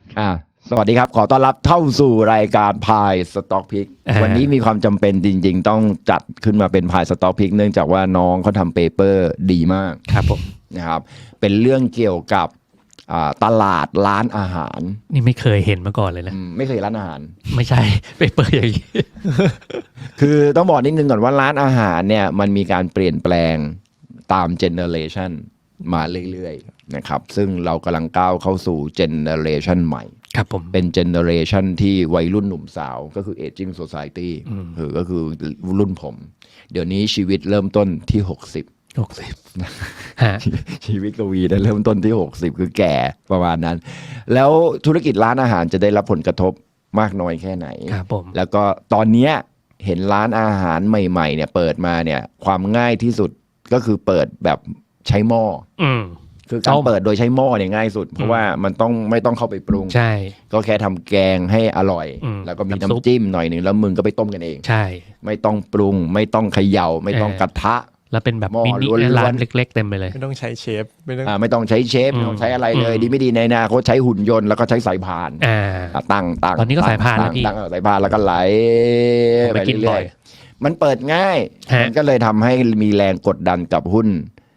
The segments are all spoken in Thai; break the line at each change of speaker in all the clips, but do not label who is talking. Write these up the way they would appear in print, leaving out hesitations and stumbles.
สวัสดีครับขอต้อนรับเข้าสู่รายการพายสต็อกพิกวันนี้มีความจำเป็นจริงๆต้องจัดขึ้นมาเป็นพายสต็อกพิกเนื่องจากว่าน้องเขาทำเปเปอร์ดีมาก
ครับผม
นะครับเป็นเรื่องเกี่ยวกับตลาดร้านอาหาร
นี่ไม่เคยเห็นมาก่อนเลยนะ
ไม่เคยร้านอาหาร
ไม่ใช่เปเปอร์อย่างนี้
คือต้องบอกนิดนึงก่อนว่าร้านอาหารเนี่ยมันมีการเปลี่ยนแปลงตามเจเนอเรชันมาเรื่อยๆนะครับซึ่งเรากำลังก้าวเข้าสู่เจเนอเรชันใหม่
ครับผม
เป็นเจเนอเรชันที่วัยรุ่นหนุ่มสาวก็คือ aging society ก็คือรุ่นผมเดี๋ยวนี้ชีวิตเริ่มต้นที่60 ชีวิตกวีได้เริ่มต้นที่60คือแก่ประมาณนั้นแล้วธุรกิจร้านอาหารจะได้รับผลกระทบมากน้อยแค่ไหน
ครับผม
แล้วก็ตอนนี้เห็นร้านอาหารใหม่ๆเนี่ยเปิดมาเนี่ยความง่ายที่สุดก็คือเปิดแบบใช้หม้อคือการเปิดโดยใช้หม้อเนี่ยง่ายสุดเพราะว่ามันไม่ต้องเข้าไปปรุง
ใช่
ก็แค่ทำแกงให้อร่อยแล้วก็มีน้ำจิ้มหน่อยหนึ่งแล้วมึงก็ไปต้มกันเอง
ใช่
ไม่ต้องปรุงไม่ต้องเขย่าไม่ต้องกระทะ
แล้วเป็นแบบมินิร้านเล็กๆเต็มไปเลย
ไม่ต้องใช้เชฟ
ไม่ต้องใช้เชฟไม่ต้องใช้อะไรเลยดีไม่ดีในอนาคตใช้หุ่นยนต์แล้วก็ใช้สายพานตั้ง
ตอนนี้ก็สายพานแล้วพี่
ตั้งสายพานแล้วก็ไหลไปเรื่อยๆมันเปิดง่ายมันก็เลยทำให้มีแรงกดดันกับหุ้น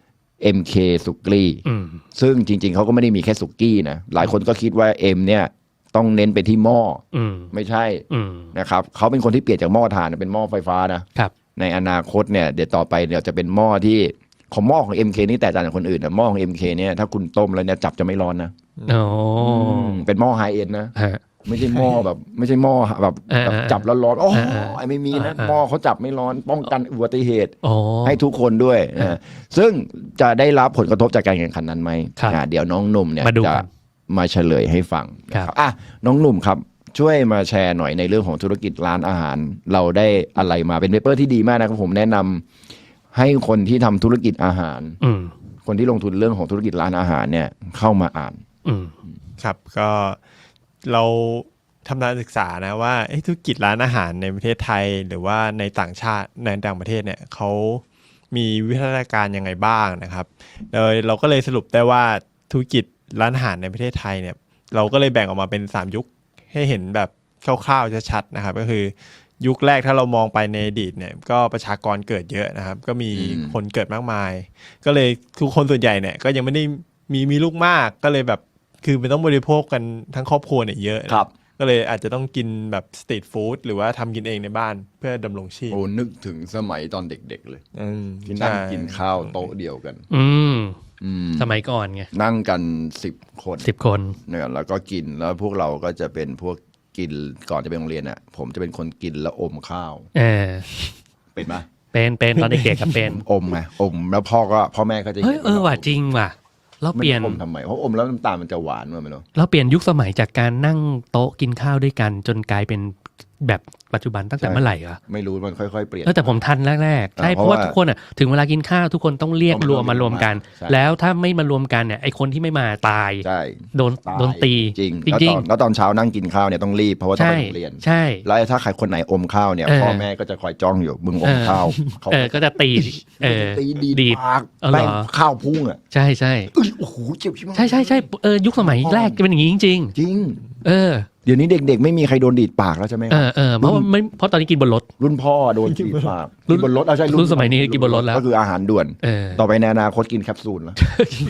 MK สุกี้ซึ่งจริงๆเขาก็ไม่ได้มีแค่สุกี้นะหลายคนก็คิดว่า M เนี่ยต้องเน้นไปที่หม้อไม่ใช่นะครับเขาเป็นคนที่เปลี่ยนจากหม้อถ่านเป็นหม้อไฟฟ้านะครับในอนาคตเนี่ยเดี๋ยวต่อไปเดี๋ยวจะเป็นหม้อที่ของหม้อของ MK นี่แตกต่างจากคนอื่นนะหม้อของ MK เนี่ยถ้าคุณต้มแล้วเนี่ยจับจะไม่ร้อนนะเป็นหม้อไฮเอ็นนะไม่ใช่หม้อแบบไม่ใช่หม้อแบบจับแล้วร้อนโอ้ยไม่มีนะหม้อเขาจับไม่ร้อนป้องกันอุบัติเหตุให้ทุกคนด้วยนะซึ่งจะได้รับผลกระทบจากการแข่งขันนั้นไหมเดี๋ยวน้องหนุ่มเนี่ยจะมาเฉลยให้ฟังนะครับน้องหนุ่มครับช่วยมาแชร์หน่อยในเรื่องของธุรกิจร้านอาหารเราได้อะไรมาเป็นเปเปอร์ที่ดีมากนะครับผมแนะนำให้คนที่ทำธุรกิจอาหารคนที่ลงทุนเรื่องของธุรกิจร้านอาหารเนี่ยเข้ามาอ่าน
ครับก็เราทำการศึกษานะว่าธุรกิจร้านอาหารในประเทศไทยหรือว่าในต่างชาติในต่างประเทศเนี่ยเขามีวิวัฒนาการยังไงบ้างนะครับโดยเราก็เลยสรุปได้ว่าธุรกิจร้านอาหารในประเทศไทยเนี่ยเราก็เลยแบ่งออกมาเป็น3ยุคให้เห็นแบบคร่าวๆชัดๆนะครับก็คือยุคแรกถ้าเรามองไปในอดีตเนี่ยก็ประชากรเกิดเยอะนะครับก็มีคนเกิดมากมายก็เลยทุกคนส่วนใหญ่เนี่ยก็ยังไม่ได้มีลูกมากก็เลยแบบคือมันต้องบริโภคกันทั้งครอบครัวเนี่ยเยอะ
ครับ
ก็เลยอาจจะต้องกินแบบสตรีทฟู้ดหรือว่าทำกินเองในบ้านเพื่อดำรงชีพ
นึกถึงสมัยตอนเด็กๆเลยที่นั่งกินข้าวโต๊ะเดียวกัน
สมัยก่อนไง
นั่งกัน10 คนเนี่ยแล้วก็กินแล้วพวกเราก็จะเป็นพวกกินก่อนจะไปโรงเรียนอ่ะผมจะเป็นคนกินแล้วอมข้าวเป็นไหม
เป็นตอนเด็กๆกับเป็น
อมไงอมแล้วพ่อแม่ก็จะ
ว่ะจริงว่ะเราเปลี่ยน
อมทำไมเพราะอมแล้วน้ำตาลมันจะหวานมั้ยไม่รู้
เราเปลี่ยนยุคสมัยจากการนั่งโต๊ะกินข้าวด้วยกันจนกลายเป็นแบบปัจจุบันตั้งแต่เมื่อไหร่อะ
ไม่รู้มันค่อยๆเปลี่ยน
แต่ผมทันแรกๆใช่เพราะว่าทุกคนอะถึงเวลากินข้าวทุกคนต้องเรียกรวมมารวมกันแล้วถ้าไม่มารวมกันเนี่ยไอคนที่ไม่มาตายโดนตี
จริงแล้วตอนเช้านั่งกินข้าวเนี่ยต้องรีบเพราะว่าต้องไปโรงเรียน
ใช่
แล้วถ้าใครคนไหนอมข้าวเนี่ยพ่อแม่ก็จะคอยจ้องอยู่มึงอมข้าว
ก็จะตี
ดีปากแป้งข้าวพุ่งอ่ะ
ใช่
โอ้โหเจ็บ
ใช่ยุคสมัยแรกจะเป็นอย่างนี้จริง
เดี๋ยวนี้เด็กๆไม่มีใครโดนดีดปากแล้วใช่ไหม
เพราะตอนนี้กินบนรถ
รุ่นพ่อโดนดีดปากกินบนรถใช่
รุ่นสมัยนี้กินบนรถแล้ว
ก็คืออาหารด่วนต่อไปในอนาคตกินแคปซูลแล้ว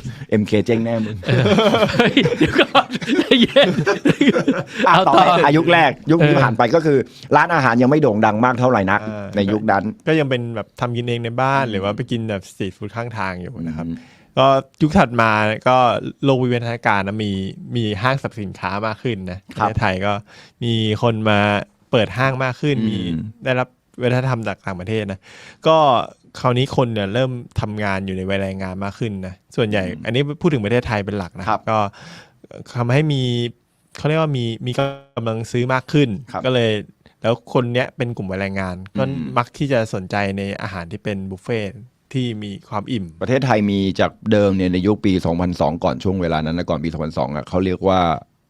MK เจ๊งแน่มึง
เดี๋ยวก่อนเย็น
ต่ออายุแรกยุคนี้ผ่านไปก็คือร้านอาหารยังไม่โด่งดังมากเท่าไหร่นักในยุคนั้น
ก็ยังเป็นแบบทำกินเองในบ้านหรือว่าไปกินแบบสตรีทฟู้ดข้างทางอยู่นะครับก็ยุคถัดมาก็โลกวิวัฒนาการนะมีห้างสรรพสินค้ามากขึ้นนะในไทยก็มีคนมาเปิดห้างมากขึ้นมีได้รับวัฒนธรรมจากต่างประเทศนะก็คราวนี้คนเนี่ยเริ่มทำงานอยู่ในวัยแรงงานมากขึ้นนะส่วนใหญ่อันนี้พูดถึงประเทศไทยเป็นหลักนะก็ทำให้เขาเรียกว่ามีกำลังซื้อมากขึ้นก็เลยแล้วคนเนี้ยเป็นกลุ่มวัยแรงงานก็มักที่จะสนใจในอาหารที่เป็นบุฟเฟ่ที่มีความอิ่ม
ประเทศไทยมีจากเดิมเนี่ยในยุคปี2002ก่อนช่วงเวลานั้นนะก่อนปี2002อ่ะเขาเรียกว่า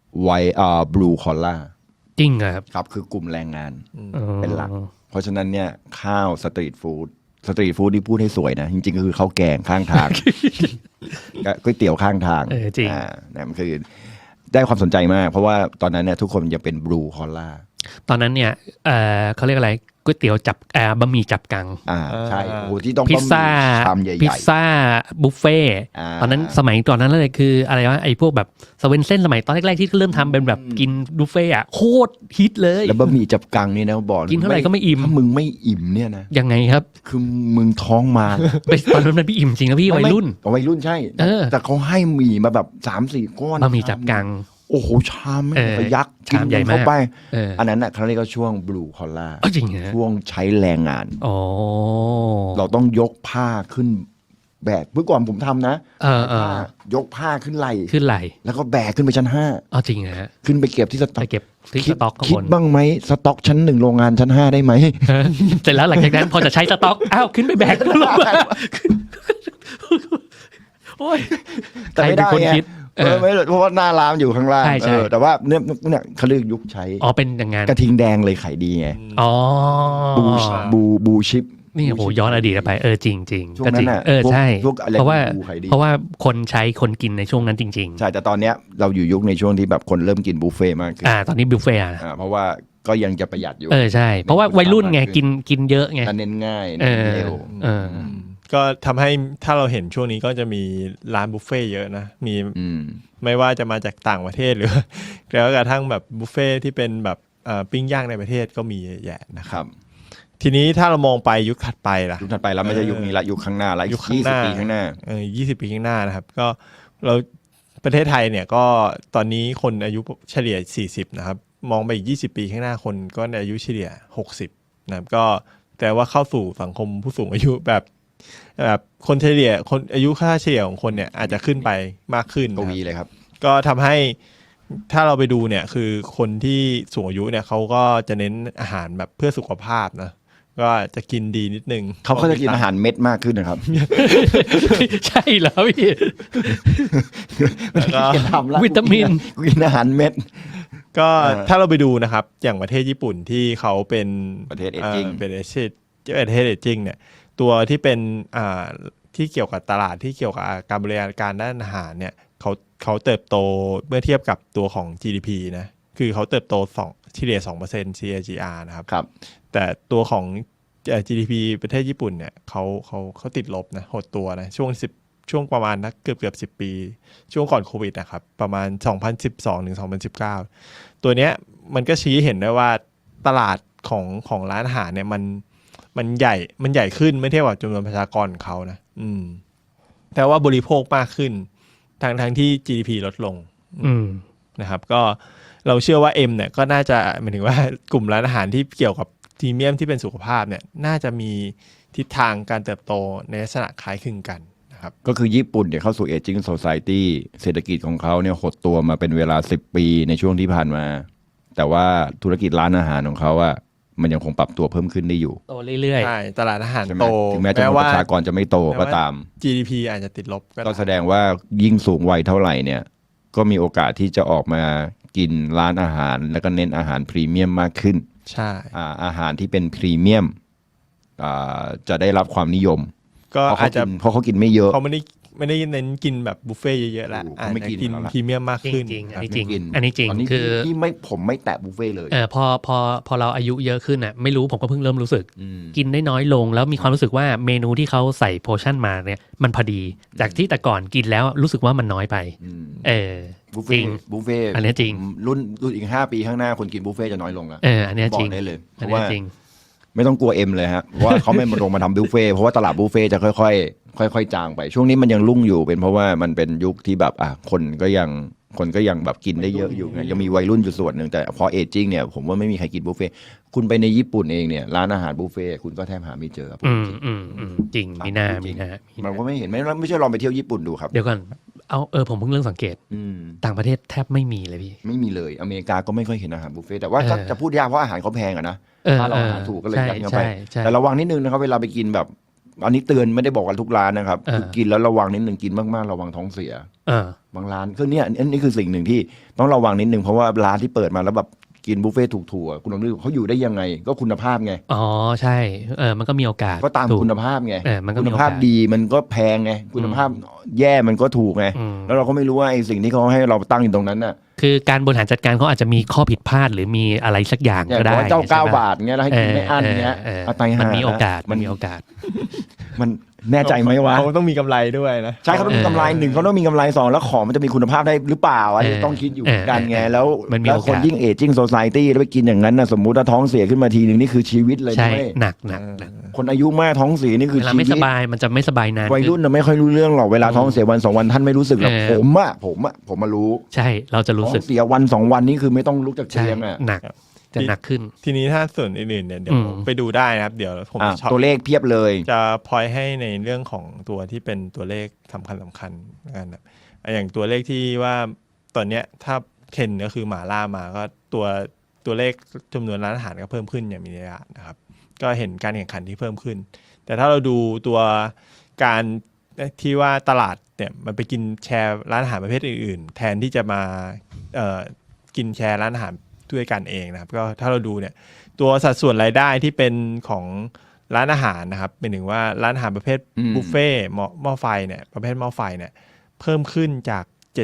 blue collar
จริง
ครับคือกลุ่มแรงงานเป็นหลักเพราะฉะนั้นเนี่ยข้าวสตรีทฟู้ดที่พูดให้สวยนะจริงๆก็คือข้าวแกงข้างทางก๋วยเตี๋ยวข้างทาง
จริง
นั่นมันคือได้ความสนใจมากเพราะว่าตอนนั้นเนี่ยทุกคนยังเป็นบลูคอล่า
ตอนนั้นเนี่ยเขาเรียกอะไรก๋วยเตี๋ยวจับบะหมี่จับกัง
ใช่โอ้ที่ต้อง
พิซซ่า
ชามใหญ่ๆ
พิซซ่าบุฟเฟ่ตอนนั้นสมัยก่อนนั้นเลยคืออะไรวะไอ้พวกแบบสเวนเซ่นสมัยตอนแรกๆที่เริ่มทำเป็นแบบกินบุฟเฟ่อะโคตรฮิตเลย
แล้วบะหมี่จับกังนี่นะบอก
กินเท่าไหร่ก็ไม่อิ่ม
ถ้ามึงไม่อิ่มเนี่ยนะ
ยังไงครับ
คือมึงท้องมา
ตอนนั้นมันพี่อิ่มจริงนะพี่วัยรุ่น
ใช่แต่เขาให้หมี่มาแบบ 3-4 ก้อน
บะหมี่จับกัง
โอ้โหชามไม่ไปยักษ์กินเข้าไปอันนั้นน่ะเขาเรียกว่าช่วงบลูคอล่าช่วงใช้แรงงานเราต้องยกผ้าขึ้นแบกเมื่อก่อนผมทำนะยกผ้าขึ้นไหลแล้วก็แบกขึ้นไปชั้น5
จริงฮะ
ขึ้นไปเก็บที่สต็อก
สต็อก
คิดบ้างไหมสต็อกชั้น1โรงงานชั้น5ได้ไหม
เสร็จแล้วหลังจากนั้นพอจะใช้สต็อกขึ้นไปแบกลงมาโอ้ย
แต่ไม่ได้ไม่เพราะว่าหน้าร้านอยู่ข้างล่างแต่ว่าเนี่ยเขาเรียกยุคใช้
เป็นอย่างงั้น
กระทิงแดงเลยขายดีไงบูชิป
นี่โหย้อนอดีตไปจริงจริงก็จริงใช่เพราะว่าคนใช้คนกินในช่วงนั้นจริงๆ
ใช่แต่ตอนเนี้ยเราอยู่ยุคในช่วงที่แบบคนเริ่มกินบุฟเฟ่มากขึ้น
ตอนนี้บุฟเฟ่
เพราะว่าก็ยังจะประหยัดอยู่
ใช่เพราะว่าวัยรุ่นไงกินเยอะไง
เน้นง่ายเร็ว
ก็ทำให้ถ้าเราเห็นช่วงนี้ก็จะมีร้านบุฟเฟ่เยอะนะมีไม่ว่าจะมาจากต่างประเทศหรือแล้วกระทั่งแบบบุฟเฟ่ที่เป็นแบบปิ้งย่างในประเทศก็มีแยะนะครับทีนี้ถ้าเรามองไปยุคถัดไปล่ะ
ยุคถัดไปแล้วไม่ใช่ยุคนี้ละยุคข้างหน้าละ
ยุค20 ปีข้างหน้า20 ปีข้างหน้านะครับก็เราประเทศไทยเนี่ยก็ตอนนี้คนอายุเฉลี่ย40นะครับมองไปอีก20 ปีข้างหน้าคนก็อายุเฉลี่ย60นะครับก็แต่ว่าเข้าสู่สังคมผู้สูงอายุแบบคนเฉลี่ยคนอายุค่าเฉลี่ยของคนเนี่ยอาจจะขึ้นไปมากขึ้น
กวีเลยครับ
ก็ทำให้ถ้าเราไปดูเนี่ยคือคนที่สูงอายุเนี่ยเขาก็จะเน้นอาหารแบบเพื่อสุขภาพนะก็จะกินดีนิดนึง
เขาจะกินอาหารเม็ดมากขึ้นนะครับ
ใช่แล้วพี่วิตามิน
กินอาหารเม็ด
ก็ถ้าเราไปดูนะครับอย่างประเทศญี่ปุ่นที่เขาเป็น
ประเทศเอจจิ้ง
เป็นประเทศเอจจิ้งเนี่ยตัวที่เป็นที่เกี่ยวกับตลาดที่เกี่ยวกับการบริการด้านอาหารเนี่ยเขาเติบโตเมื่อเทียบกับตัวของ GDP นะคือเขาเติบโตเฉลี่ย 2% CAGR นะครับแต่ตัวของ GDP ประเทศญี่ปุ่นเนี่ยเขาติดลบนะหดตัวนะช่วงประมาณเกือบ10 ปีช่วงก่อนโควิดนะครับประมาณ2012ถึง2019ตัวเนี้ยมันก็ชี้เห็นได้ว่าตลาดของร้านอาหารเนี่ยมันใหญ่ขึ้นไม่เทียบกับจำนวนประชากรของเขานะแต่ว่าบริโภคมากขึ้นทั้งที่ GDP ลดลงนะครับก็เราเชื่อว่า M เนี่ยก็น่าจะหมายถึงว่ากลุ่มร้านอาหารที่เกี่ยวกับพรีเมียมที่เป็นสุขภาพเนี่ยน่าจะมีทิศทางการเติบโตในลักษณะคล้ายคลึงกันนะครับ
ก็คือญี่ปุ่นเนี่ยเข้าสู่ Aging Society เศรษฐกิจของเขาเนี่ยหดตัวมาเป็นเวลา10 ปีในช่วงที่ผ่านมาแต่ว่าธุรกิจร้านอาหารของเขาอะมันยังคงปรับตัวเพิ่มขึ้นได้อยู่
โตเรื่อย
ๆใช่ตลาดอาหารโต
ถึงแม้จำนวนประชากรจะไม่โตก็ตาม
GDP อาจจะติดลบ
ก็แสดงว่ายิ่งสูงวัยเท่าไหร่เนี่ยก็มีโอกาสที่จะออกมากินร้านอาหารแล้วก็เน้นอาหารพรีเมียมมากขึ้น
ใช่
อาหารที่เป็นพรีเมียมจะได้รับความนิยม
ก็อาจจะ
เพราะเขากินไม่เยอะ
เขาไม่ได้เน้นกินแบบบุฟเฟ่เยอะๆแล้วอาจจะกินพรีเมียมมากขึ้น
อันนี้จริงคือ
ที่ผมไม่แตะบุฟเฟ่เลย
พอเราอายุเยอะขึ้นอ่ะไม่รู้ผมก็เพิ่งเริ่มรู้สึกกินได้น้อยลงแล้วมีความรู้สึกว่าเมนูที่เขาใส่โพชั่นมาเนี่ยมันพอดีจากที่แต่ก่อนกินแล้วรู้สึกว่ามันน้อยไป
บุฟเฟ่
อันนี้จริง
รุ่นอีก5 ปีข้างหน้าคนกินบุฟเฟ่จะน้อยลงแล้ว
อันนี้จริง
ได้เลยเพราะว่าไม่ต้องกลัว M เลยฮะเพราะว่าเขาไม่มาลงมาทำบุฟเฟ่เพราะว่าตลาดบุฟเฟ่จะค่อยจางไปช่วงนี้มันยังรุ่งอยู่เป็นเพราะว่ามันเป็นยุคที่แบบคนก็ยังแบบกินได้เยอะอยู่ไงยังมีวัยรุ่นอยู่ส่วนหนึ่งแต่พอเอจจิ้งเนี่ยผมว่าไม่มีใครกินบุฟเฟ่คุณไปในญี่ปุ่นเองเนี่ยร้านอาหารบุฟเฟ่คุณก็แทบหาไม่เจอ
จริงมีหน้า
มันก็ไม่เห็นไม่ใช่ลองไปเที่ยวญี่ปุ่นดูครับ
เดี๋ยวก่อนผมเพิ่งเริ่มสังเกตต่างประเทศแทบไม่มีเลยพี่
ไม่มีเลยอเมริกาก็ไม่ค่อยเห็นอาหารบุฟเฟ่แต่ว่าจะพูดยากเพราะอาหารเขาแพงอะนะถ้าเราหาถูกก็เลยยัดเข้าไปแต่ระวังนิดนึงนะครับเวลาไปกินแบบอันนี้เตือนไม่ได้บอกกันทุกร้านนะครับคือกินแล้วระวังนิดนึงกินมากๆระวังท้องเสียบางร้านคือเนี่ยอันนี้คือสิ่งหนึ่งที่ต้องระวังนิดนึงเพราะว่าร้านที่เปิดมาแล้วแบบกินบุฟเฟ่ถูกๆคุณลองดูเขาอยู่ได้ยังไงก็คุณภาพไง
ใช่มันก็มีโอกาส
ก็ตามคุณภาพไงคุณภาพดีมันก็แพงไงคุณภาพแย่มันก็ถูกไงแล้วเราก็ไม่รู้ว่าไอ้สิ่งที่เขาให้เราตั้งอยู่ตรงนั้นน่ะ
คือการบริหารจัดการเขาอาจจะมีข้อผิดพลาดหรือมีอะไรสักอย่างก็ได้
เจ้า
ใช่ปะ
9 บาทเงี้ยแล้วให้กินไม่อั้นเงี้ยเอาตายห่า
มันมีโอกาสมันมีโอกาส
มันแน่ใจไหมวะ
เขาต้องมีกำไรด้วยนะ
ใช่เขาต้องมีกำไร1เขาต้องมีกำไร2แล้วของมันจะมีคุณภาพได้หรือเปล่าอันนี้ต้องคิดอยู่เหมือนกันไงแล้ว
มันมี
แล้ว
โอกาส
คนยิ่งเอจิ้งโซซายตี้แล้วไปกินอย่างนั้นนะสมมุติถ้าท้องเสียขึ้นมาทีหนึ่งนี่คือชีวิตเลย
ใช่
นะเว้ย
หนัก
คนอายุมากท้องเสียนี่คือ
เวลา
ชี
ไม่
วิ
ส
ต
บายมันจะไม่สบายนาน
วัยรุ่นน่ะไม่ค่อยรู้เรื่องหรอกเวลาท้องเสียวัน2 วันท่านไม่รู้สึกหรอกผมมารู้
ใช่เราจะรู้
ท้อ
สึก
งเสียวัน2 วันนี่คือไม่ต้องลุกจาก
ใช่
เตียงอ่ะ
หนักจะหนักขึ้น
ทีนี้ถ้าส่วนอื่นๆเนี่ยเดี๋ยวไปดูได้นะครับเดี๋ยวผมจะชอบ
ตัวเลขเพียบเลย
จะพอยให้ในเรื่องของตัวที่เป็นตัวเลขสำคัญนะครับอย่างตัวเลขที่ว่าตอนเนี้ยถ้าเทรนด์ก็คือหมาล่ามาก็ตัวเลขจำนวนร้านอาหารก็เพิ่มขึ้นอย่างมีนัยนะครับก็เห็นการแข่งขันที่เพิ่มขึ้นแต่ถ้าเราดูตัวการที่ว่าตลาดเนี่ยมันไปกินแชร์ร้านอาหารประเภทอื่นๆแทนที่จะมากินแชร์ร้านอาหารด้วยกันเองนะครับก็ถ้าเราดูเนี่ยตัวสัดส่วนรายได้ที่เป็นของร้านอาหารนะครับเป็นถึงว่าร้านอาหารประเภทบุฟเฟ่หม้อไฟเนี่ยประเภทหม้อไฟเนี่ยเพิ่มขึ้นจาก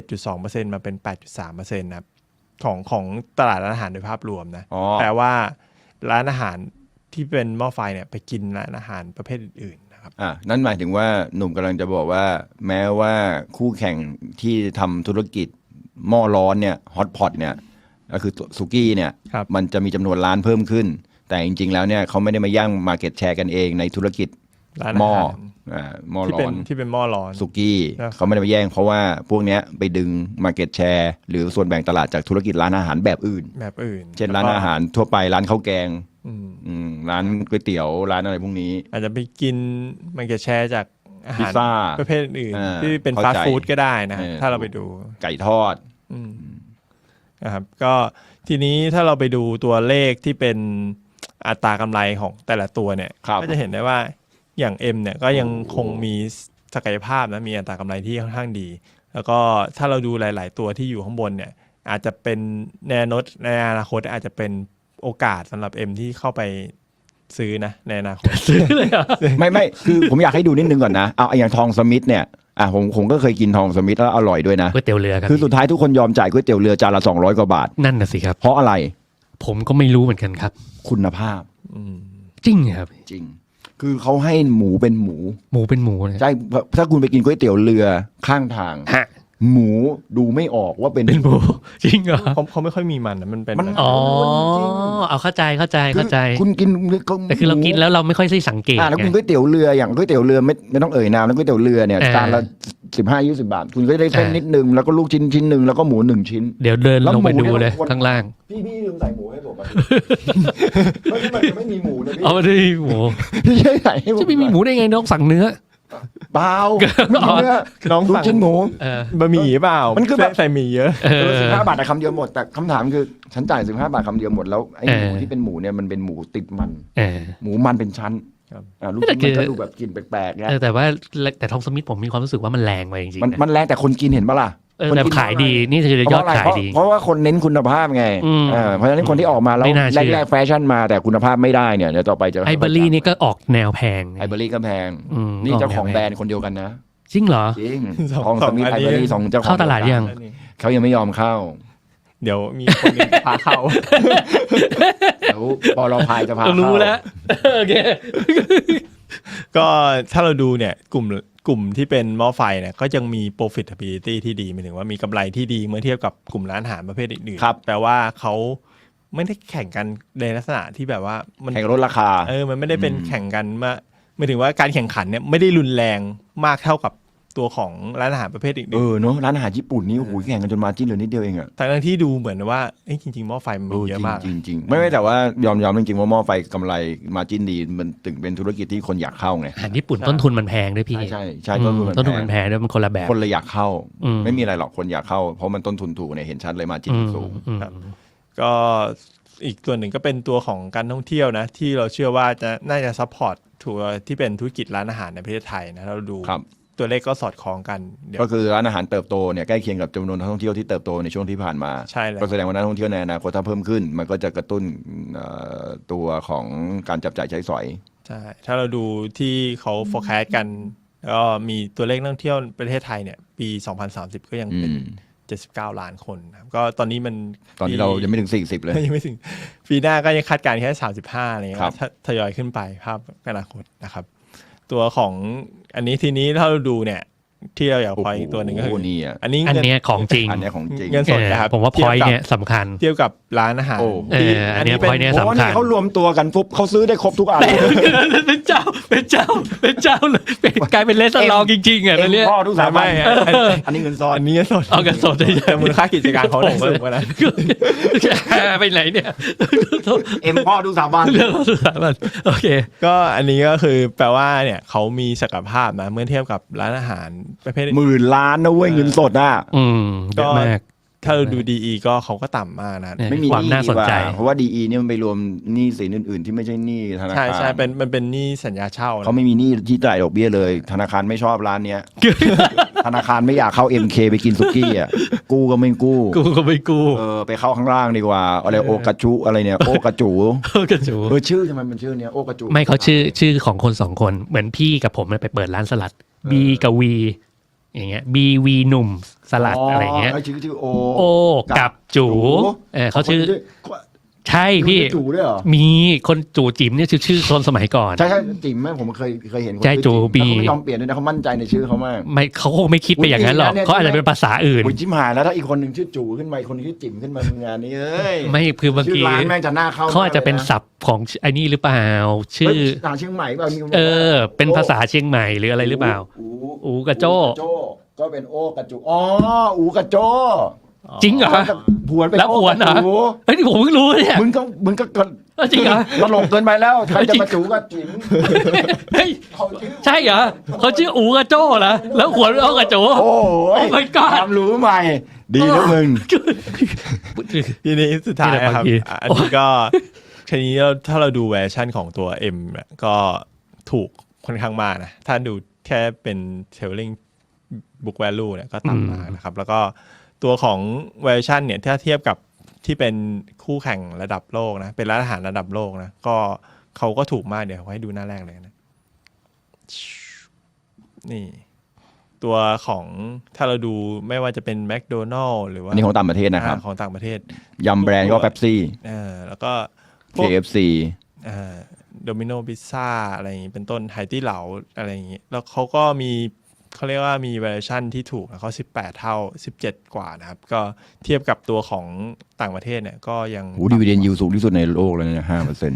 7.2% มาเป็น 8.3% นะครับของตลาดร้านอาหารโดยภาพรวมนะแปลว่าร้านอาหารที่เป็นหม้อไฟเนี่ยไปกินร้านอาหารประเภทอื่นๆนะครับ
นั่นหมายถึงว่าหนุ่มกำลังจะบอกว่าแม้ว่าคู่แข่งที่ทำธุรกิจหม้อร้อนเนี่ยฮอตพอตเนี่ยก็คือสุกี้เนี่ยมันจะมีจำนวนร้านเพิ่มขึ้นแต่จริงๆแล้วเนี่ยเขาไม่ได้มาย่างมาร์เก็ตแชร์กันเองในธุรกิจหม้อร้อน
ที่เป็นหม้อร้อน
สุกี้เขาไม่ได้มาแย่งเพราะว่าพวกเนี้ยไปดึงมาร์เก็ตแชร์หรือส่วนแบ่งตลาดจากธุรกิจร้านอาหารแบบอื่นเช่นร้านอาหารทั่วไปร้านข้าวแกงร้านก๋วยเตี๋ยวร้านอะไรพวกนี้
อาจจะไปกินมาร์เก็ตแชร์จากอาหารประเภทอื่นที่เป็นฟาสต์ฟู้ดก็ได้นะถ้าเราไปดู
ไก่ทอด
นะครับก็ทีนี้ถ้าเราไปดูตัวเลขที่เป็นอัตรากำไรของแต่ละตัวเนี่ยก็จะเห็นได้ว่าอย่าง M เนี่ยก็ยังคงมีศักยภาพนะมีอัตรากำไรที่ค่อนข้างดีแล้วก็ถ้าเราดูหลายๆตัวที่อยู่ข้างบนเนี่ยอาจจะเป็นในอนาคตอาจจะเป็นโอกาสสำหรับ M ที่เข้าไปซื้อนะในอนาคต
ซื้อเลย
ไม่คือผมอยากให้ดูนิดนึงก่อนนะเอาอย่างทองสมิธเนี่ยผมก็เคยกินทองสมิธแล้วอร่อยด้วยนะ
ก๋วยเตี๋ยวเรือครับ
คือสุดท้ายทุกคนยอมจ่ายก๋วยเตี๋ยวเรือจานละ200 กว่าบาท
นั่นน่ะสิครับ
เพราะอะไร
ผมก็ไม่รู้เหมือนกันครับ
คุณภาพ
จริงครับ
จริงคือเขาให้หมูเป็นหมูใช่ถ้าคุณไปกินก๋วยเตี๋ยวเรือข้างทางหมูดูไม่ออกว่าเป็น
หมูจริงเหรอ
เขาไม่ค่อยมีมันมันเป็น
อ๋อเอาเข้าใจ
คุณกิน
แต่คือเรากินแล้วเราไม่ค่อยได้สังเกต
แล้วคุณก๋วยเตี๋ยวเรืออย่างก๋วยเตี๋ยวเรือไม่ต้องเอ่ยนามแล้วก๋วยเตี๋ยวเรือเนี่ยจานละ15-20 บาทคุณก็ได้เส้นนิดนึงแล้วก็ลูกชิ้นนึงแล้วก็หมู1 ชิ้น
เดี๋ยวเดินลงไปดูเลยข้างล่าง
พี่ลืมใส่หมูให้ผมมันไม่มีหมูนะพี่
เอาไม่ได้หมู
พี่ใส่ให้ผม
จะไม่มีหมูได้ไงน้องสั่งเนื้อ
เปล่าน้องสั่งชิ้นหมู
บะหมี่เปล่ามันคือแบบใส่หมี่เยอะ
15 บาทแต่คำเดียวหมดแต่คำถามคือฉันจ่าย15 บาทคำเดียวหมดแล้วไอ้หมูที่เป็นหมูเนี่ยมันเป็นหมูติดมันหมูมันเป็นชั้นลูกชิ้นมันก็ดูแบบกลิ่นแปลกๆนะ
แต่ทองสมิธผมมีความรู้สึกว่ามันแรงไปจริง
ๆมันแรงแต่คนกินเห็นปะล่ะ
แต่ขายดีนี่คือยอดขายดี
เพราะว่าคนเน้นคุณภาพไงเพราะฉะนั้นคนที่ออกมาแล้วแรกๆแฟชั่นมาแต่คุณภาพไม่ได้เนี่ยเดี๋ยวต่อไปจะ
ไอเบอรี่นี่ก็ออกแนวแพง
ไอเบอรี่ก็แพงนี่เจ้าของแบรนด์คนเดียวกันนะ
จริงเหรอ
จริงทองสมิธไอเบอรี่2เจ้าของ
เข้าตลาดยัง
เขายังไม่ยอมเข้า
เดี๋ยวมีคนนึงพาเข้า
เดี๋ยวปลพายจะพาเข้า
รู้แล้วโอเค
ก็ถ้าเราดูเนี่ยกลุ่มที่เป็นหม้อไฟเนี่ยก็ยังมี profitability ที่ดีหมายถึงว่ามีกำไรที่ดีเมื่อเทียบกับกลุ่มร้านอาหารประเภทอื่นๆแปลว่าเขาไม่ได้แข่งกันในลักษณะที่แบบว่ามัน
แข่งลดราคา
มันไม่ได้เป็นแข่งกันหมายถึงว่าการแข่งขันเนี่ยไม่ได้รุนแรงมากเท่ากับตัวของร้านอาหารประเภทอื่น
เนาะร้านอาหารญี่ปุ่นนี่โอ้โหแข่งกันจนมาจิ้นเหลือนิดเดียวเองอะ
ทั้งที่ดูเหมือนว่าจริงๆหม้อไฟมันเยอะมาก
จริงๆไม่แต่ว่ายอมจริงๆว่าหม้อไฟกำไรมาจิ้นดีมันถึงเป็นธุรกิจที่คนอยากเข้าไง
อาหารญี่ปุ่นต้นทุนมันแพงด้วยพี่
ใช่ต้นทุน
มันแพงด้วยมันคนละแบบ
คนเลยอยากเข้าไม่มีอะไรหรอกคนอยากเข้าเพราะมันต้นทุนถูกเนี่ยเห็นชัดเลยมาจิ้นสูง
ก็อีกตัวหนึ่งก็เป็นตัวของการท่องเที่ยวนะที่เราเชื่อว่าน่าจะซัพพอร์ตทัวร์ที่เป็นธุรกิจร้านอาหารในประเทศไทยนะเราดูตัวเลขก็สอดคล้องกัน
ก็คือร้านอาหารเติบโตเนี่ยใกล้เคียงกับจำนวนนักท่องเที่ยวที่เติบโตในช่วงที่ผ่านมา
ใช่เลย
ก็แสดงว่านักท่องเที่ยวในอนาคตถ้าเพิ่มขึ้นมันก็จะกระตุ้นตัวของการจับจ่ายใช้สอย
ใช่ถ้าเราดูที่เขา forecast กันก็มีตัวเลขนักท่องเที่ยวประเทศไทยเนี่ยปี2030ก็ยังเป็น 79 ล้านคนนะครับก็ตอนนี้มัน
ตอนนี้เรายังไม่ถึง40เลย
ยังไม่ถึงปีหน้าก็ยังคาดการณ์แค่35อะไรเงี้ย
ครับ
ทยอยขึ้นไปภาพอนาคตนะครับตัวของอันนี้ทีนี้ถ้าเราดูเนี่ยที่เราอยากพอยอีกตัวหนึ่งก็คือ
โอ้นี่อ่ะ
อันนี้
อันเนี้ยของจริง
อันเนี้ยของจริง
เงินสดนะครับ
ผมว่าพอยต์เนี่ยสำคัญ
เทียบกับร้านอาหาร
โอ้
อันเนี้ย point เนี่ย
เพราะว่านี่เขารวมตัวกันปุ๊บเขาซื้อได้ครบทุกอัน
เป็นเจ้าเลยกลายเป็นเลสลองจริงๆอ่ะตอนเนี้ย
พ่อทุกสามัญ
ไม่
อันนี้เงินซ่อน
อันนี้เงินสด
เอากันสดได้
แต่มูลค่ากิจการเขาได้สูงกว่านั้น
ไปไหนเนี่ย
พ่อทุกสามัญ
เรื่องสุดท้ายมันโอเค
ก็อันนี้ก็คือแปลว่าเนี่ยเขามีศักยภาพนะเมื่อเทียบกับร้านอาหารประเภท
10,000 ล้านนะเว้ยเงินสดอ่ะ
เยอะมาก
ถ้าเราดู DE ก็เขาก็ต่ำมากนะ
เนี่ย
ไม่มี
ความ
ห
น่าสนใจ
ดีกว่เพราะว่า DE เนี่ยมันไปรวมหนี้สินอื่นๆ ที่ไม่ใช่หนี้ธนา
ใช่
คาร
ใช่มันเป็นหนี้สัญญาเช่านะ
เขาไม่มีหนี้ที่จ่ายดอกเบี้ยเลย ธนาคารไม่ชอบร้านเนี้ย ธนาคารไม่อยากเข้า MK ไปกินสุกี้อ่ะกู้ก็ไม่กู้
กูก็ไม่กู
ไปเข้าข้างล่างดีกว่าอะไรโอกระจุอะไรเนี่ยโอกระจู
กันจู
ชื่อทำไมมันชื่อเนี้ยโอกระจู
ไม่เขาชื่อของคนสองคนเหมือนพี่กับผมไปเปิดร้านสลัด B กับ V อย่างเงี้ย BV หนุ่มสลัดอะไรเงี้ย
ชื่อโอ
โอกับจูเขาชื่อใช่พี่
จูด้วยเหรอ
มีคนจูจิ๋มเนี่ยชื่อคนสมัยก่อน
ใช่จิ๋มไหมผมเคยเห็นคน
ใช่
ชื่อ
จู
จิ๋ม
บี
แต่เขาไม่ยอมเปลี่ยนด้วยนะเขามั่นใจในชื่อเขามาก
ไม่เขาคงไม่คิดไปอย่างนั้นหรอก
เนี่ย
เขาอาจจะเป็นภาษาอื่น
โอ้ยจิ้มหายแล้วถ้าอีกคนหนึ่งชื่อจูขึ้นมาอีกคนนึงชื่อจิ๋มขึ้นมามึงงานนี้เอ้ย
ไม่คือบาง
ชื่
ที
อร้านแม่งจะน่าเข้า
เขาอาจจะเป็นศัพท์ของไอ้นี่หรือเปล่า ชื่อ
เชียงใหม่เปล่ามีคน
เป็นภาษาเชียงใหม่หรืออะไรหรือเปล่า อูกระโจ้
ก็เป็นโอกระจูอูกระโจ
จริงเหรอ
ผวนไป
แล้วผวนเหรอ
โ
เฮ้ยนี่ผมเพิ่งรู้เนี่ย
มึงก็
จริงเหรอ
ตลกเกินไปแล้วใครจะมาจูกับจิ๋ม
เฮ้ยใช่เหรอเขาชื่ออูกระโจ้เหรอแล้วขวนเอากระโจ
โอ้ย
Oh my god
ความรู้ใหม่ ดีนะมึง
ทีนี้สุดท้ายนะครับ
นี่แหละบางที
อันนี้ก็ทีนี้ถ้าเราดูเวอร์ชันของตัว M เนี่ยก็ถูกค่อนข้างมากนะถ้าดูแค่เป็น Telling Book Value เนี่ยก็ต่ำมากนะครับแล้วก็ตัวของเวอร์ชันเนี่ยถ้าเทียบกับที่เป็นคู่แข่งระดับโลกนะเป็นร้านอาหารระดับโลกนะก็เขาก็ถูกมากเดี๋ยวให้ดูหน้าแรกเลยนะนี่ตัวของถ้าเราดูไม่ว่าจะเป็นแมคโดนัลล์หรือว่า
อันนี้ของต่างประเทศนะครับ
ของต่างประเทศ
ยำแบรนด์ก็เป๊ปซี่
แล้วก็พวก
KFC
โดมิโนพิซซ่าอะไรอย่างนี้เป็นต้นไฮตี้เหลาอะไรอย่างนี้แล้วเขาก็มีเขาเรียกว่ามีเวอร์ชันที่ถูกนะเขา18 เท่า 17 กว่านะครับก็เทียบกับตัวของต่างประเทศเนี่ยก็ยัง
ดีวิเดนยิวสูงที่สุดในโลกเลยนะ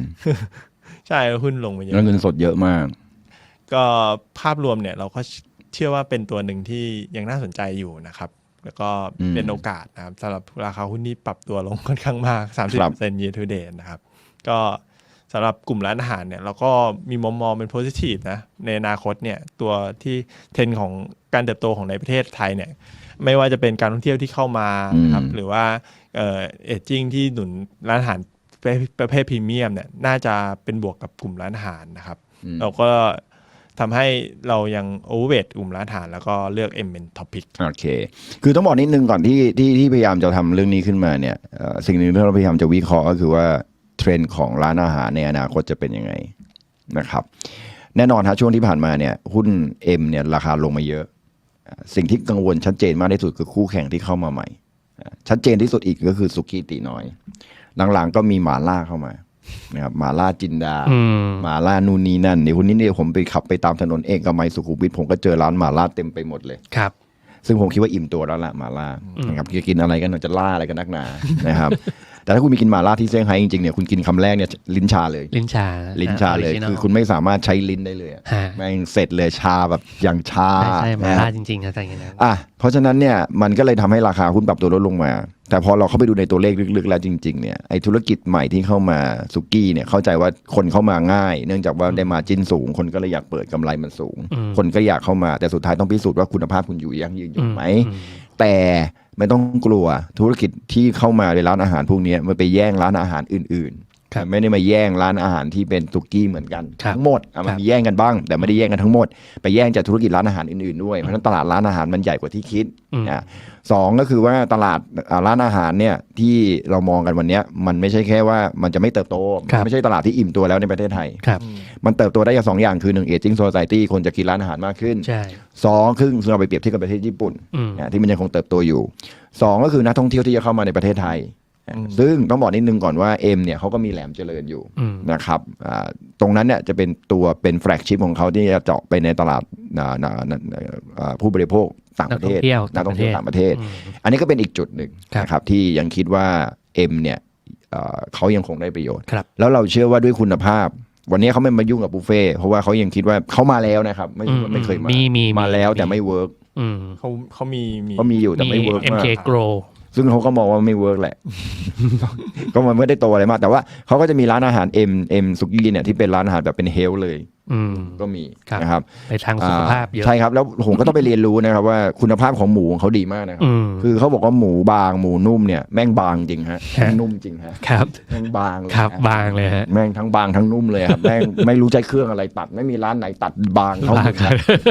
5%
ใช่หุ้นลงไปเยอะ
แล้วเงินสดเยอะมาก
ก็ภาพรวมเนี่ยเราก็เชื่อว่าเป็นตัวหนึ่งที่ยังน่าสนใจอยู่นะครับแล้วก็เป็นโอกาสนะครับสำหรับราคาหุ้นที่ปรับตัวลงค่อนข้างมาก 30% year to date นะครับก็สำหรับกลุ่มร้านอาหารเนี่ยเราก็มีมุมมองเป็น positive นะในอนาคตเนี่ยตัวที่เทรนด์ของการเติบโตของในประเทศไทยเนี่ยไม่ว่าจะเป็นการท่องเที่ยวที่เข้ามานะครับหรือว่าเอจจิ้งที่หนุนร้านอาหารประเภทพรีเมียมเนี่ยน่าจะเป็นบวกกับกลุ่มร้านอาหารนะครับเราก็ทำให้เรายังโอเวอร์เวทกลุ่มร้านอาหารแล้วก็เลือก M เป็นท็อปพิก
โอเคคือต้องบอกนิดนึงก่อนที่พยายามจะทำเรื่องนี้ขึ้นมาเนี่ยสิ่งหนึ่งที่เราพยายามจะวิเคราะห์ก็คือว่าเทรนด์ของร้านอาหารในอนาคตจะเป็นยังไงนะครับแน่นอนฮะช่วงที่ผ่านมาเนี่ยหุ้น M เนี่ยราคาลงมาเยอะสิ่งที่กังวลชัดเจนมากที่สุดคือคู่แข่งที่เข้ามาใหม่ชัดเจนที่สุดอีกก็คือสุกี้ตีน้อยหลังๆก็มีหม่าล่าเข้ามานะครับหม่าล่าจินดาหม่าล่านูนนี่นั่นเดี๋ยววันนี้เนี่ยผมไปขับไปตามถนนเอกมัยสุขุมวิทผมก็เจอร้านหม่าล่าเต็มไปหมดเลย
ครับ
ซึ่งผมคิดว่าอิ่มตัวแล้วล่ะหม่าล่านะครับจะกินอะไรกันจะล่าอะไรกันนักหนานะครับ แต่ถ้าคุณมีกินหม่าล่าที่เซี่ยงไฮ้จริงๆเนี่ยคุณกินคำแรกเนี่ยลิ้นชาเลยลิ้นชาเลยคือคุณไม่สามารถใช้ลิ้นได้เลยแม่งเสร็จเลยชาแบบอย่างชา
ใช่หม่าล่าจริงๆนะแต่อย่างนั้น
เพราะฉะนั้นเนี่ยมันก็เลยทำให้ราคาหุ้นปรับตัวลดลงมาแต่พอเราเข้าไปดูในตัวเลขลึกๆแล้วจริงๆเนี่ยไอ้ธุรกิจใหม่ที่เข้ามาสุกี้เนี่ยเข้าใจว่าคนเข้ามาง่ายเนื่องจากว่าได้มาจิ้นสูงคนก็เลยอยากเปิดกำไรมันสูงคนก็อยากเข้ามาแต่สุดท้ายต้องพิสูจน์ว่าคุณภาพคุณอยู่ยั่งยืนอยู่ไหมแต่ไม่ต้องกลัวธุรกิจที่เข้ามาในร้านอาหารพวกนี้มันไปแย่งร้านอาหารอื่น
ครับ
ไม่ได้มาแย่งร้านอาหารที่เป็นสุกี้เหมือนกัน
ครับ
ทั้งหมดมันมีแย่งกันบ้างแต่ไม่ได้แย่งกันทั้งหมดไปแย่งจากธุรกิจร้านอาหารอื่นๆด้วยเพราะฉะนั้นตลาดร้านอาหารมันใหญ่กว่าที่คิดสองก็คือว่าตลาดร้านอาหารเนี่ยที่เรามองกันวันนี้มันไม่ใช่แค่ว่ามันจะไม่เติบโตไม่ใช่ตลาดที่อิ่มตัวแล้วในประเทศไทย
ครับ
มันเติบโตได้อย่างสองอย่างคือ1 aging society คนจะกินร้านอาหารมากขึ้น
ใช่
สองคือเราไปเปรียบเทียบกับประเทศญี่ปุ่นที่มันยังคงเติบโตอยู่สองก็คือนักท่องเที่ยวที่จะเข้ามาในประเทศไทยซึ่งต้องบอกนิดนึงก่อนว่าเอ็มเนี่ยเขาก็มีแหลมเจริญอยู่นะครับตรงนั้นเนี่ยจะเป็นตัวเป็นแฟลกชิพของเขาที่จะเจาะไปในตลาดผู้บริโภคต่างประเทศนักท่องเที่ยวต่างประเทศอันนี้ก็เป็นอีกจุดหนึ่งนะครับที่ยังคิดว่าเอ็มเนี่ยเขายังคงได้ประโยชน์แล้วเราเชื่อว่าด้วยคุณภาพวันนี้เขาไม่มายุ่งกับบุฟเฟ่เพราะว่าเขายังคิดว่าเขามาแล้วนะครับไม่เคยมาแล้วแต่ไม่เวิร์ก
เขามี
อยู่แต่ไม่เวิร์กมาก
MK Grow
ซึ่งเขาก็มองว่าไม่เวิร์กแหละ ก็มันไม่ได้โตอะไรมากแต่ว่าเขาก็จะมีร้านอาหารเอ็มสุกี้เนี่ยที่เป็นร้านอาหารแบบเป็นเฮลท์เลยก็มีนะครับ
ในทางสุขภาพเยอะ
ใช่ครับแล้วผมก็ต้องไปเรียนรู้นะครับว่าคุณภาพของหมูของเขาดีมากนะครับคือเขาบอกว่าหมูบางหมูนุ่มเนี่ยแม่งบางจริงฮะแม่งนุ่มจริงฮะ
ครับ
แม่งบางเลย
ครับบางเลยฮะ
แม่งทั้งบางทั้งนุ่มเลยครับแม่งไม่รู้ใจเครื่องอะไรตัดไม่มีร้านไหนตัดบางเท่ากัน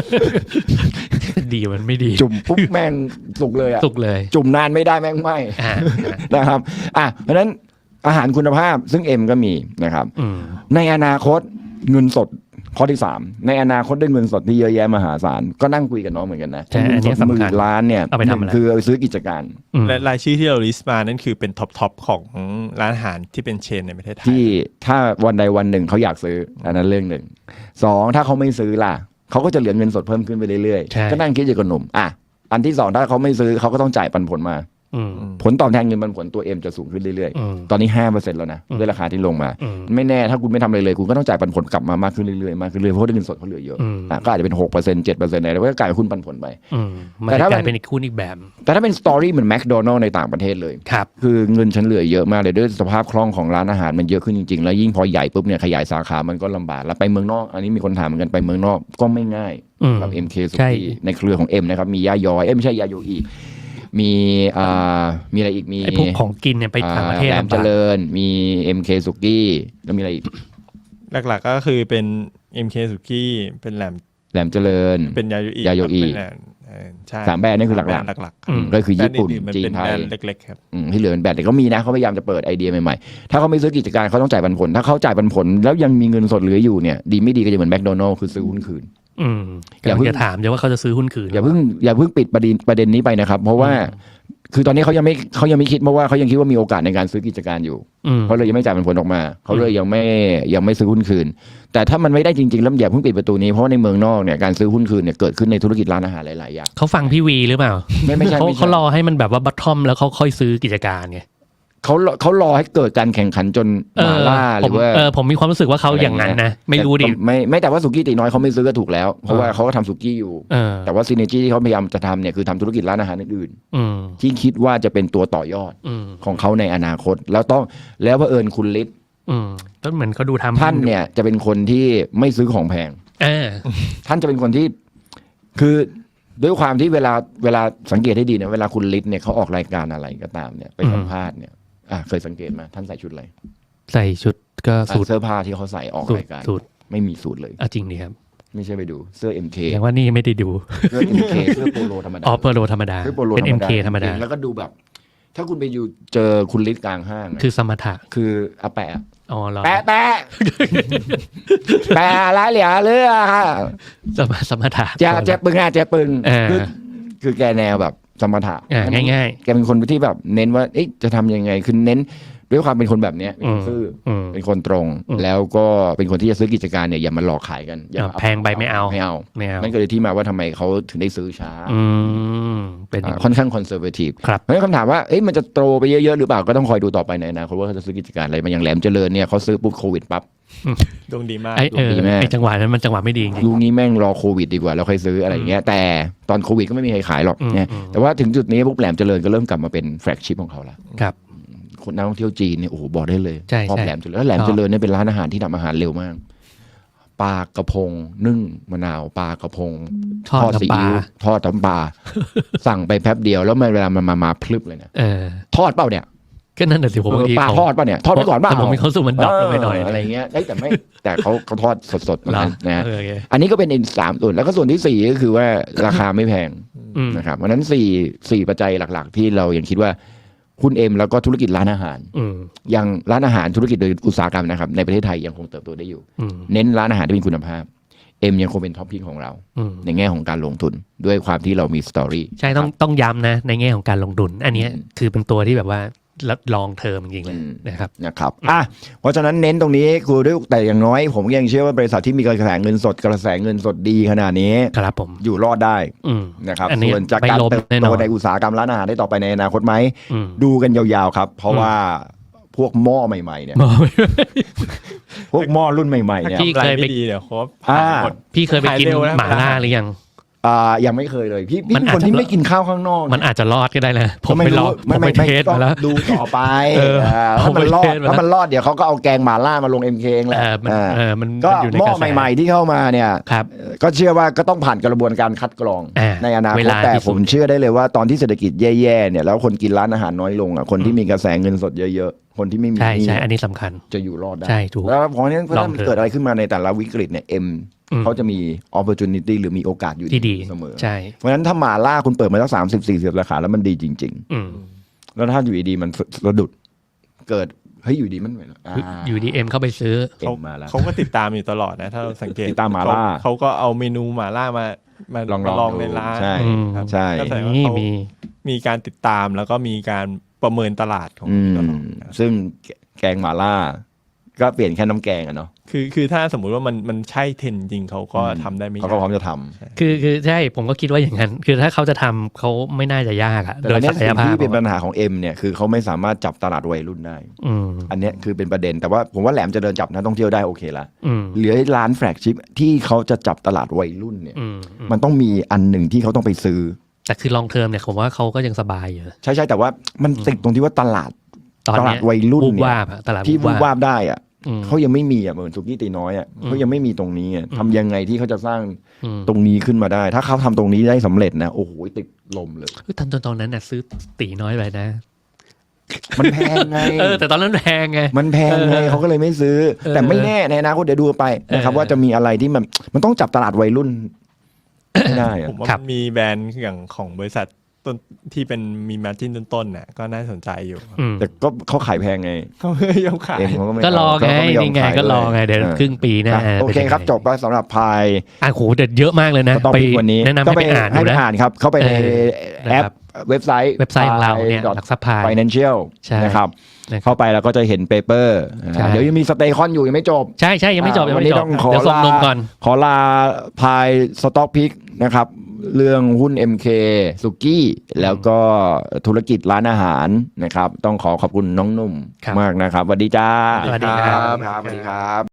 ดีมันไม่ดี
จุ่มปุ๊บแม่งสุกเลยอะ
สุกเลย
จุ่มนานไม่ได้แม่งไม่นะครับเพราะฉะนั้นอาหารคุณภาพซึ่งเอ็มก็มีนะครับในอนาคตเงินสดข้อที่3ในอนาคตได้เงินสดที่เยอะแยะมหาศาลก็นั่งคุยกับน้องเหมือนกันนะ
เงินสด
10,000 ล้านเนี่ยคือเอาไปซื้อกิจการ
และรายชื่อที่เราลิสต์มานั่นคือเป็นท็อปของร้านอาหารที่เป็นเชนในประเทศไทย
ที่ถ้าวันใดวันหนึ่งเขาอยากซื้ออันนั้นเรื่องหนึ่ง2ถ้าเขาไม่ซื้อล่ะเขาก็จะเหลือเงินสดเพิ่มขึ้นไปเรื่อยๆก็นั่งคิดอยู่กับหนุ่มอันที่2ถ้าเขาไม่ซื้อเขาก็ต้องจ่ายปันผลมาผลตอบแทนเงินปันผลตัวเอ็มจะสูงขึ้นเรื่อยๆตอนนี้ 5% แล้วนะด้วยราคาที่ลงมาไม่แน่ถ้าคุณไม่ทำอะไรเลยคุณก็ต้องจ่ายปันผลกลับมามากขึ้นเรื่อยๆมากขึ้นเรื่อยๆเพราะเงินสดเขาเหลือเยอะก็อาจจะเป็น 6% 7% อะไรแล้วก็กลายเป็นหุ้นปันผลไป
แต่ถ้าเป็นอีกหุ้นอีกแบบ
แต่ถ้าเป็นสตอรี่เหมือนแมคโดนัลล์ในต่างประเทศเลยคือเงินฉันเหลือเยอะมากเลยด้วยสภาพคล่องของร้านอาหารมันเยอะขึ้นจริงๆแล้วยิ่งพอใหญ่ปุ๊บเนี่ยขยายสาขามันก็ลำบากแล้วไปเมืองนอกอันนี้มีคนถามเหมือนกันไปเมืองนอกก็ไม่ง่ายกับ MK สุกี้ในเครือของ M นะครับมีย่าย้อยไม่ใช่ยาโยอีมีอะไรอีกมี
ไอ้พวกของกินเนี่ยไปต่างประเทศ
แหลมเจริญมี MK สุกี้แล้วมีอะไรอีก
หลักๆก็คือเป็น MK สุกี้เป็นแหลม
เจริญ
เป็นยาโยอีใช่
3แบรนด์นี่คือหลักๆก็คือญี่ปุ่นจีนไทย
เล็กๆครับ
ที่เหลือเป็นแบรนด์แต่ก็มีนะเขาพยายามจะเปิดไอเดียใหม่ๆถ้าเขาไม่ซื้อกิจการเขาต้องจ่ายปันผลถ้าเขาจ่ายปันผลแล้วยังมีเงินสดเหลืออยู่เนี่ยดีไม่ดีก็จะเหมือนแมคโดนัลล์คือซื้อหุ้นคืน
อย่าเพิ่งถามเดี๋ยวว่าเขาจะซื้อหุ้นคืน
อย่าเพิ่งปิดประเด็นนี้ไปนะครับเพราะว่าคือตอนนี้เขายังไม่คิดเพราะว่าเขายังคิดว่ามีโอกาสในการซื้อกิจการอยู่เขาเลยยังไม่จ่ายเป็นผลออกมาเขาเลยยังไม่ซื้อหุ้นคืนแต่ถ้ามันไม่ได้จริงๆแล้วอย่าเพิ่งปิดประตูนี้เพราะว่าในเมืองนอกเนี่ยการซื้อหุ้นคืนเนี่ยเกิดขึ้นในธุรกิจร้านอาหารหลายๆอย่าง
เขาฟังพี่วีหรือเปล่า
ไม่ใช่
เขารอให้มันแบบว่าบัตทอมแล้วเขาค่อยซื้อกิจการไง
เขารอให้เกิดการแข่งขันจนมาล่าหรือว่า
ผมมีความรู้สึกว่าเขาอย่างนั้นนะไม่รู้ดิ
ไม่แต่ว่าสุกี้ตีน้อยเขาไม่ซื้อก็ถูกแล้วเพราะว่าเขาก็ทำสุกี้อยู่แต่ว่าซีเนจี้ที่เขาพยายามจะทำเนี่ยคือทำธุรกิจร้านอาหารอื่นๆที่คิดว่าจะเป็นตัวต่อยอดของเขาในอนาคตแล้วเผอิญคุณฤทธิ์
ก็เหมือนเขาดูทำ
ท่านเนี่ยจะเป็นคนที่ไม่ซื้อของแพงท่านจะเป็นคนที่คือด้วยความที่เวลาสังเกตให้ดีนะเวลาคุณฤทธิ์เนี่ยเขาออกรายการอะไรก็ตามเนี่ยไปสัมภาษณ์เนี่ยเคยสังเกตมาท่านใส่ชุดอะไร
ใส่ชุดก็สูท
เสื้อผ้าที่เขาใส่ออกรายการไม่มีสูทเลย
จริงดิครับ
ไม่ใช่ไปดูเสื้อ MK
อย่างว่านี่ไม่ได้ดู
เสื้อ MK เสื้อโปโลธรรมดา
โปโลธรรมดาเป็น MK ธรรมดา
แล้วก็ดูแบบถ้าคุณไปอยู่เจอคุณฤทธิ์กลางห้าง
คือสมถะ
คืออาแปะ
แปะ
แปะอะไรเหลือเรือค่ะ
สมถะ
เจ็บปึงคือแกแนวแบบสมถะ
ง่าย
ๆแกเป็นคนที่แบบเน้นว่าจะทำยังไงคือเน้นด้วยความเป็นคนแบบนี้เป็นคนตรงแล้วก็เป็นคนที่จะซื้อกิจการเนี่ยอย่ามาหลอกขายกัน
แพงไปไม่เอา
นั่นก็เลยที่มาว่าทำไมเขาถึงได้ซื้อช้า
เป็น
ค่อนข้างคอนเซอร์เวทีฟเพราะฉะนั้นคำถามว่ามันจะโตไปเยอะๆหรือเปล่าก็ต้องคอยดูต่อไปในอนาคตว่าเขาจะซื้อกิจการอะไรมาอย่างแหลมเจริญเนี่ยเขาซื้อปุ๊บโควิดปั๊บ
ดวงดีมาก
ไอ้จังหวะนั้นมันจังหวะไม่ดีจริง
ลูกนี้แม่งรอโควิดดีกว่าแล้วค่อยซื้ออะไรเงี้ยแต่ตอนโควิดก็ไม่มีใครขายหรอกเนี่ยแต่ว่าถึงจุดนี้ปุ๊บแหลมเจริญก็เริ่มกลับมาเป็นแฟลกชิพของเขาแล้ว
ครับ
คนนักท่องเที่ยวจีนเนี่ยโอ้โหบอกได้เลยชอบแหลมเจริญแล้วแหลมเจริญเนี่ยเป็นร้านอาหารที่ทำอาหารเร็วมากปลากระพงนึ่งมะนาวปลากระพงทอดซีอิ๊วทอดน้ำปลาสั่งไปแป๊บเดียวแล้วเวลามันมาพลึบเลยนะทอดเปล่าเนี่ย
ก็นั่นแหะสิผมบางที
ปลาทอดป่ะเนี่ยทอดไปก่อนป่ะ
แต่ผมมีความรู้สึกมันดรอปลงไปหน่อย
อะไรเงี้ยแต่ไม่แต่เขาทอดสดๆนะนะ
โอเค
อันนี้ก็เป็นอีก3ส่วนแล้วก็ส่วนที่4ก็คือว่าราคาไม่แพง นะครับเพราะฉะนั้น4ปัจจัยหลักๆ ที่เรายังคิดว่าหุ้นเอ็มแล้วก็ธุรกิจร้านอาหารยังร้านอาหารธุรกิจโดยอุตสาหกรรมนะครับในประเทศไทยยังคงเติบโตได้อยู่เน้นร้านอาหารที่มีคุณภาพเอ็มยังคงเป็นท็อปพิกของเราในแง่ของการลงทุนด้วยความที่เรามีสตอรี่
ใช่ต้องย้ำนะในแง่ของการลงทุนอันนี้คือเป็นตัวที่แบบว่าลองเทอมจริงๆเลยนะครับ
เพราะฉะนั้นเน้นตรงนี้คือด้วยแต่อย่างน้อยผมยังเชื่อว่าบริษัทที่มีกระแสเงินสดดีขนาดนี้
ครับผม
อยู่รอดได้นะครับส่วนจากการเติบโตในอุตสาหกรรมร้านอาหารได้ต่อไปในอนาคตไหมดูกันยาวๆครับเพราะว่าพวกหม้อใหม่ๆเนี่ยพวกหม้อรุ่นใหม่ๆเนี่ย
พี่เคยไป
ดีเดี๋ยวครับ
พี่เคยไปกินหม่าล่าหรือยัง
ยังไม่เคยเลยพี่เป็นคนที่ไม่กินข้าวข้างนอก
มันอาจจะรอดก็ได้นะผมไปลองผมไปเทสมาแล้ว
ดูต่อไปถ้ามันรอดเดี๋ยวเขาก็เอาแกงหม่าล่ามาลง MK เองแหละก็หม้อใหม่ๆที่เข้ามาเนี่ยก็เชื่อว่าก็ต้องผ่านกระบวนการคัดกรองในอนาคตแต่ผมเชื่อได้เลยว่าตอนที่เศรษฐกิจแย่ๆเนี่ยแล้วคนกินร้านอาหารน้อยลงคนที่มีกระแสเงินสดเยอะๆคนที่ไม่มี
ใช่อันนี้สำคัญ
จะอยู่รอดได้
ใช่ถูก
แล้วเพราะฉะนั้นถ้ามันเกิดอะไรขึ้นมาในแต่ละวิกฤตเนี่ยเขาจะมี opportunity หรือมีโอกาสอยู่
ดี
เสมอ
ใช่
เพราะฉะนั้นถ้าหม่าล่าคุณเปิดมาสัก30-40 ราคาแล้วมันดีจริงๆแล้วถ้าอยู่ดีมันสะดุดเกิดอยู่ดีมัน
อยู่ดีเอ็มเข้าไปซื้อ
เขาก็ติดตามอยู่ตลอดนะถ้าเราสังเกต
ติดตามหม่าล่า
เขาก็เอาเมนูหม่าล่ามาลองในร้าน
ใช่
ก็แสดงว่าเขามีการติดตามแล้วก็มีการประเมินตลาดของตลอด
ซึ่งแกงหม่าล่าก็เปลี่ยนแค่น้ำแกงอะเนาะ
คือถ้าสมมุติว่ามันใช่เทรนจริงเขาก็ทำได้ไม่ยาก
เขาก็พร้อมจะทำ
คือใช่ผมก็คิดว่าอย่างนั้นคือถ้าเขาจะทำเขาไม่น่าจะยากอะโดยศักยภาพ
ที่เป็นปัญหาของเอ็มเนี่ยคือเขาไม่สามารถจับตลาดวัยรุ่นได้อันนี้คือเป็นประเด็นแต่ว่าผมว่าแหลมจะเดินจับนักท่องเที่ยวได้โอเคละเหลือร้านแฟลกชิพที่เขาจะจับตลาดวัยรุ่นเนี่ยมันต้องมีอันหนึ่งที่เขาต้องไปซื้อ
แต่คือลองเทอมเนี่ยผมว่าเขาก็ยังสบายอยู่
ใช่แต่ว่ามันติดตรงที่ว่าตลาดวัยรุ่นเนี่ยที่วูบวาบได้อะเขายังไม่มีเหมือนสุกี้ตีน้อยเขายังไม่มีตรงนี้ทำยังไงที่เขาจะสร้างตรงนี้ขึ้นมาได้ถ้าเขาทำตรงนี้ได้สำเร็จนะโอ้โหติดลมเลย
ตอนนั้นน่ะซื้อตีน้อยไปนะ
มันแพงไง
แต่ตอนนั้นแพงไง
มันแพงไงเขาก็เลยไม่ซื้อแต่ไม่แน่ในอนาคตเดี๋ยวดูไปนะครับว่าจะมีอะไรที่มันต้องจับตลาดวัยรุ่นไม่ได้
ผมว่ามีแบรนด์อย่างของบริษัทต้นที่เป็นมีมาร์จิ้นต้นๆน่ะก็น่าสนใจอยู่
แต่ก็เขาขายแพงไง
เขาไม่ยอมขาย
ก็รอไงนี่ไงก็รอไงเดี๋ยวครึ่งปีหน้า
โอเคครับจบแล้วสำหรับพาย
โหเด็ดเยอะมากเลยนะ
ไปวันนี้
แนะนำให้ไปอ่าน
ให้ไปอ่านครับเข้าไปในแอปเว็บไซต์
ของเราเนี่ยหลักทรัพย์พาย
financial นะครับเข้าไปแล้วก็จะเห็นเปเปอร์เดี๋ยวยังมีสเตย์คอนอยู่ยังไม่จบ
ใช่ยังไม่จบ
วันนี้ต้องขอลาพายสต็อกพิกนะครับเรื่องหุ้น MK สุกี้แล้วก็ธุรกิจร้านอาหารนะครับต้องขอบคุณน้องนุ่มมากนะครับสวัสดีจ้า
สวัสดีครับ
สวัสดีครับ